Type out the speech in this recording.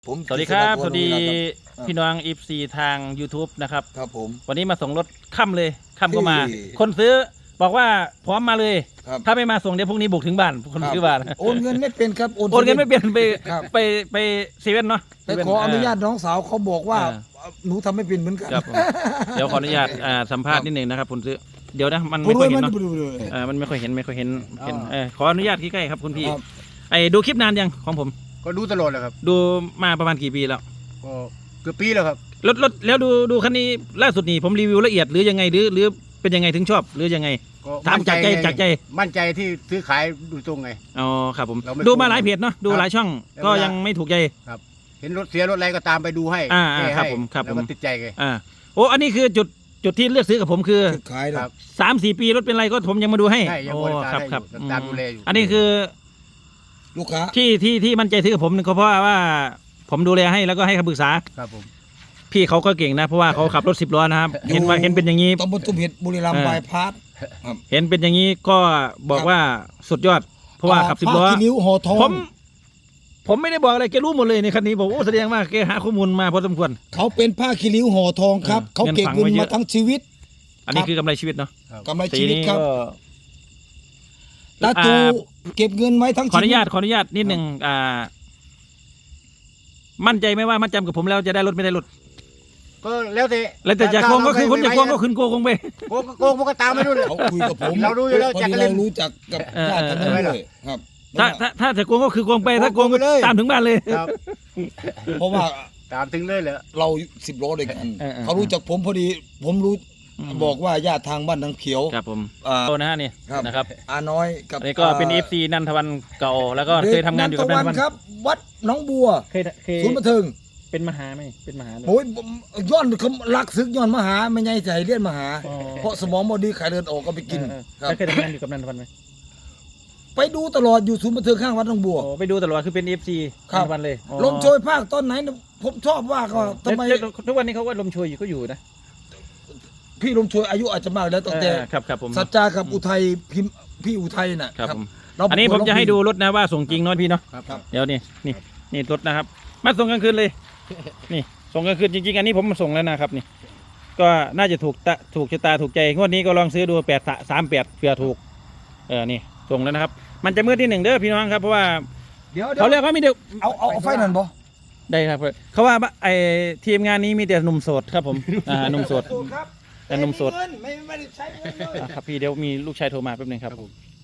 สวัสดีครับสวัสดีพี่น้องอีฟซีทาง YouTube นะครับครับผมวันนี้มาส่งรถค่ำเลยค่ำก็มา คนซื้อบอกว่าพร้อมมาเลยถ้าไม่มาส่งเดี๋ยวพรุ่งนี้บุกถึงบ้านคนซื้อบ้านโอนเงินไม่เป็นครับโอนเงินไม่เป็นไปเซเว่นเนาะไปขออนุญาตน้องสาวเขาบอกว่าหนูทำไม่เป็นเหมือนกันเดี๋ยวขออนุญาตสัมภาษณ์นิดหนึ่งนะครับคุณซื้อเดี๋ยวนะมันไม่ค่อยเห็นเนาะมันไม่ค่อยเห็นขออนุญาตใกล้ๆครับคุณพี่ดูคลิปนานยังของผมก็ดูตลอดเลยครับดูมาประมาณกี่ปีแล้วก็เกือบปีแล้วครับรถแล้วดูคันนี้ล่าสุดนี่ผมรีวิวละเอียดหรือยังไงหรือเป็นยังไงถึงชอบหรือยังไงถามจากใจมั่นใจที่ซื้อขายดูตรงไงอ๋อครับผมดูมาหลายเพจเนาะดูหลายช่องก็ยังไม่ถูกใจครับเห็นรถเสียรถอะไรก็ตามไปดูให้ครับผมแล้วก็ติดใจไงโอ้อันนี้คือจุดที่เลือกซื้อกับผมคือขายครับ 3-4 ปีรถเป็นไรก็ผมยังมาดูให้โอ้ครับตามดูแลอยู่อันนี้คือลูกค้าที่มั่นใจซื้อกับผมก็เพราะว่าผมดูแลให้แล้วก็ให้คำปรึกษาครับผมพี่เขาก็เก่งนะเพราะว่าเขาขับรถ10 ล้อนะครับเห็นเป็นอย่างนี้ตำบลตุ้มเห็ดบุรีรัมย์บายพาสเห็นเป็นอย่างนี้ก็บอกว่าสุดยอดเพราะว่าขับ10 ล้อนิ้วห่อทองผมไม่ได้บอกอะไรแกรู้หมดเลยในคันนี้บอกโอ้แสดงว่าแกหาข้อมูลมาพอสมควรเขาเป็นผ้าคีริ้วห่อทองครับเขาเก็บเงินมาทั้งชีวิตอันนี้คือกำไรชีวิตเนาะกำไรชีวิตครับแล้วตูเก็บเงินไว้ทั้งขออนุญาตนิดหนึ่งมั่นใจไหมว่ามัดจำกับผมแล้วจะได้รถไม่ได้รถก็แล้วแต่จะโกงก็คือคนจะโกงก็ขึ้นโกงไปโกงมันก็ตามไม่รู้เลยเขาคุยกับผมเรารู้อยู่แล้วเรารู้จักกับญาติกันด้วยครับถ้าจะโกงก็คือโกงไปถ้าโกงก็ตามถึงบ้านเลยเพราะว่าตามถึงเลยเหรอเรา10 ล้อด้วยกันเขารู้จักผมพอดีผมรู้บอกว่าญาติทางบ้านทางเขียวครับผมนะฮะนี่นะครับอาน้อยกับนี่ก็เป็น FC นันทวันเก่าแล้วก็เคยทำงานอยู่กับนันทวันครับวัดหนองบัวศูนย์บันเทิงเป็นมหาไหมเป็นมหาโอ้ยย้อนเขาลักซึกย้อนมหาไม่ใช่ใจเลียนมหาเพราะสมองบอดีขายเดินออกก็ไปกินเคยทำงานอยู่กับนันทวันไหมไปดูตลอดอยู่ศูนย์บันเทิงข้างวัดหนองบัวไปดูตลอดคือเป็น FC นันทวันเลยลมโชยภาคตอนไหนผมชอบว่าก็ทำไมทุกวันนี้เขาว่าลมโชยอยู่ก็อยู่นะพี่ลมโชยอายุอาจจะมากแล้วตั้งแต่ครับผมสัจจากับอุทัยพี่อุทัยน่ะครับอันนี้ผมจะให้ดูรถนะว่าส่งจริงน้อยพี่เนาะเดี๋ยวนี่รถนะครับมาส่งกลางคืนเลยนี่ส่งกลางคืนจริงๆอันนี้ผมมาส่งแล้วนะครับนี่ก็น่าจะถูกชะตาถูกใจงวดนี้ก็ลองซื้อดู838เผื่อถูกนี่ส่งแล้วนะครับมันจะมืดที่1เด้อพี่น้องครับเพราะว่าเขาเรียกว่ามีเดียวเอาไฟนั่นบ่ได้ครับเขาว่าไอทีมงานนี้มีแต่หนุ่มโสดครับผมหนุ่มโสดแต่นมสดไม่ได้ใช้เงินเลยครับพี่เดี๋ยวมีลูกชายโทรมาแป๊บนึงครับ